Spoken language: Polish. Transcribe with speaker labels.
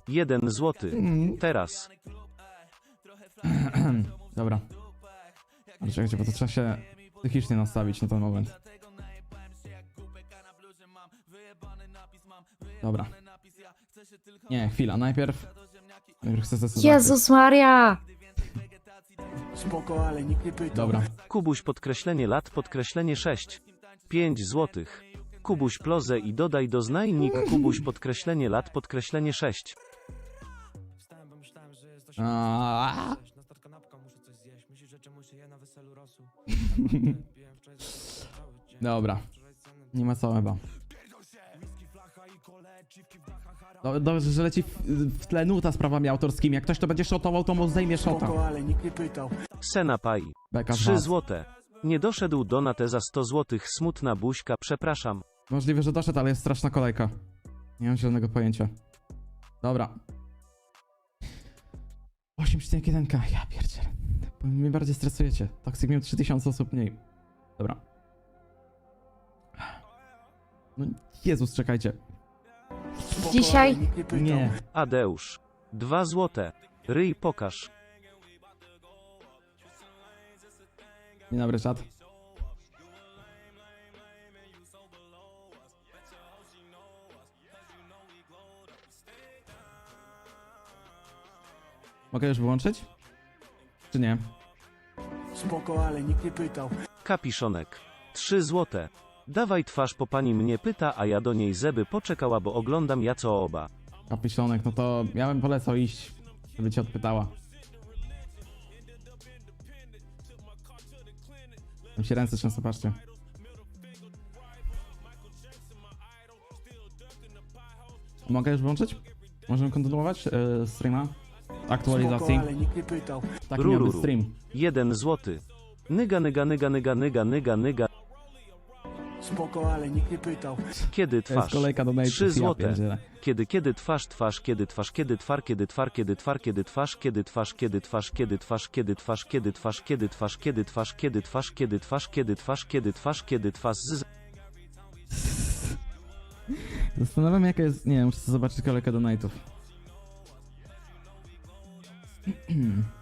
Speaker 1: 1 złoty. Teraz.
Speaker 2: Dobra. Ale czekajcie, bo to trzeba się psychicznie nastawić na ten moment. Dobra. Nie, chwila, najpierw chcę zdecydować.
Speaker 3: Jezus Maria!
Speaker 4: Spoko, ale nikt nie pytał.
Speaker 2: Dobra.
Speaker 1: Kubuś podkreślenie lat podkreślenie 6. 5 złotych. Kubuś plozę i dodaj do znajnik Kubuś podkreślenie lat podkreślenie 6.
Speaker 2: Aaaa. Dobra. Nie ma co chyba. Dobrze, że leci w tle nuta z prawami autorskimi. Jak ktoś to będzie szotował, to mu zdejmie szota.
Speaker 4: Spoko, ale nikt nie pytał.
Speaker 1: Senapaj.
Speaker 2: Beka z
Speaker 1: 3
Speaker 2: was.
Speaker 1: złote. Nie doszedł donatę za 100 złotych. Smutna buźka, przepraszam.
Speaker 2: Możliwe, że doszedł, ale jest straszna kolejka. Nie mam zielonego pojęcia. Dobra. 8,1k. Ja pierdzielę. Mnie bardziej stresujecie. Toxic miał 3000 osób mniej. Dobra. No Jezus, czekajcie.
Speaker 4: Spoko,
Speaker 3: Dzisiaj-
Speaker 4: ale nikt nie pytał.
Speaker 2: Nie.
Speaker 1: Adeusz. 2 złote. Ryj pokaż.
Speaker 2: Dzień dobry, czat. Mogę już wyłączyć? Czy nie?
Speaker 4: Spoko, ale nikt nie pytał.
Speaker 1: Kapiszonek. 3 złote. Dawaj twarz po pani mnie pyta, a ja do niej zeby poczekała, bo oglądam ja co oba.
Speaker 2: Kapiszonek, no to ja bym polecał iść, żeby cię odpytała. Tam się ręce często, patrzcie. Mogę już wyłączyć? Możemy kontynuować streama?
Speaker 4: Spoko,
Speaker 2: Aktualizacji.
Speaker 4: ale nikt nie pytał.
Speaker 2: Taki miał być
Speaker 1: Rururu.
Speaker 2: stream.
Speaker 1: 1 złoty. Nyga nyga nyga nyga nyga nyga nyga.
Speaker 4: Spoko, ale nikt nie pytał.
Speaker 1: Kiedy
Speaker 2: To jest
Speaker 1: twarz?
Speaker 2: kolejka do nate'ów,
Speaker 1: 3
Speaker 2: ja
Speaker 1: złote.
Speaker 2: pierdzielę.
Speaker 1: Kiedy twarz kiedy twarz kiedy twar kiedy twar kiedy twar kiedy twarz kiedy twarz kiedy twarz kiedy twarz kiedy twarz kiedy twarz kiedy twarz kiedy twarz kiedy twarz kiedy twarz kiedy twarz kiedy twarz kiedy twarz z.
Speaker 2: Zastanawiam jaka jest... Nie, muszę zobaczyć kolejkę do nate'ów.